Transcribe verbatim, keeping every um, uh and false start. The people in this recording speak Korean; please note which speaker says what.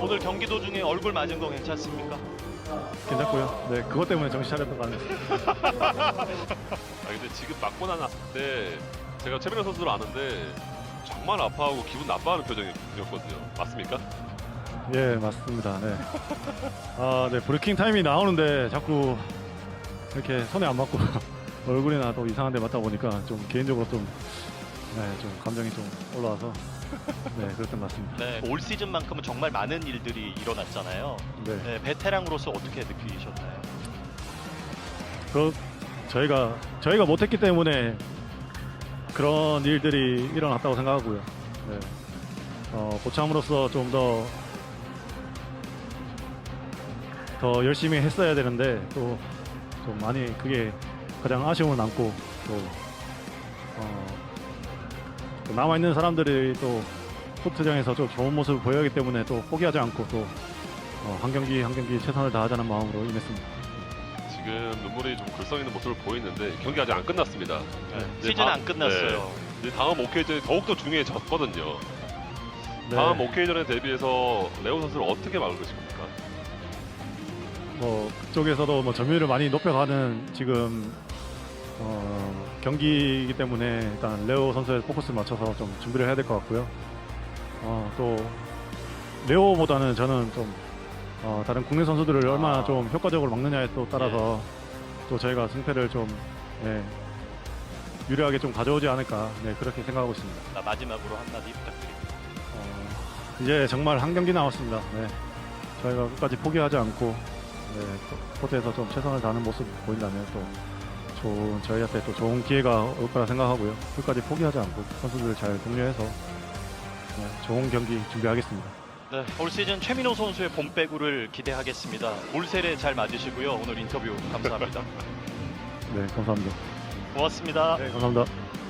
Speaker 1: 오늘 경기 도중에 얼굴 맞은 거 괜찮습니까?
Speaker 2: 괜찮고요. 네, 그것 때문에 정신 차렸던 거 아니에요.
Speaker 3: 아 근데 지금 맞고 나왔을 때 제가 최민호 선수를 아는데 정말 아파하고 기분 나빠하는 표정이었거든요. 맞습니까?
Speaker 2: 예, 맞습니다. 네. 아, 네, 브레이킹 타임이 나오는데 자꾸 이렇게 손에 안 맞고 얼굴이나 또 이상한 데 맞다 보니까 좀 개인적으로 좀, 네, 좀 감정이 좀 올라와서 네, 그랬던 것 같습니다.
Speaker 1: 네, 올 시즌만큼은 정말 많은 일들이 일어났잖아요.
Speaker 2: 네.
Speaker 1: 네, 베테랑으로서 어떻게 느끼셨나요?
Speaker 2: 그 저희가 저희가 못했기 때문에 그런 일들이 일어났다고 생각하고요. 네. 어, 고참으로서 좀 더 더 열심히 했어야 되는데 또 좀 많이 그게 가장 아쉬움을 남고 또, 어, 또 남아 있는 사람들이 또 코트장에서 좀 좋은 모습을 보여야 하기 때문에 또 포기하지 않고 또 어, 한 경기 한 경기 최선을 다하자는 마음으로 임했습니다.
Speaker 3: 지금 눈물이 좀 글썽 있는 모습을 보이는데 경기 아직 안 끝났습니다.
Speaker 1: 네,
Speaker 3: 이제
Speaker 1: 시즌
Speaker 3: 다-
Speaker 1: 안 끝났어요.
Speaker 3: 네. 이제 다음 오케이전이 더욱더 중요해졌거든요.
Speaker 2: 네.
Speaker 3: 다음 오케이전에 대비해서 레오 선수를 어떻게 막을 것입니까?
Speaker 2: 뭐 그쪽에서도 뭐 점유율을 많이 높여가는 지금 어, 경기이기 때문에 일단 레오 선수의 포커스를 맞춰서 좀 준비를 해야 될 것 같고요. 어, 또 레오보다는 저는 좀 어, 다른 국내 선수들을 얼마나
Speaker 1: 아.
Speaker 2: 좀 효과적으로 막느냐에 또 따라서 또 저희가 승패를 좀 네, 유리하게 좀 가져오지 않을까 네, 그렇게 생각하고 있습니다.
Speaker 1: 자, 마지막으로 한마디 부탁드립니다.
Speaker 2: 어, 이제 정말 한 경기 남았습니다. 네. 저희가 끝까지 포기하지 않고 네, 코- 코트에서 좀 최선을 다하는 모습 보인다면 또 좋은 저희한테 또 좋은 기회가 올 거라 생각하고요. 끝까지 포기하지 않고 선수들을 잘 독려해서 네, 좋은 경기 준비하겠습니다.
Speaker 1: 네, 올 시즌 최민호 선수의 봄배구를 기대하겠습니다. 올 세례 잘 맞으시고요. 오늘 인터뷰 감사합니다.
Speaker 2: 네, 감사합니다.
Speaker 1: 고맙습니다.
Speaker 2: 네, 감사합니다.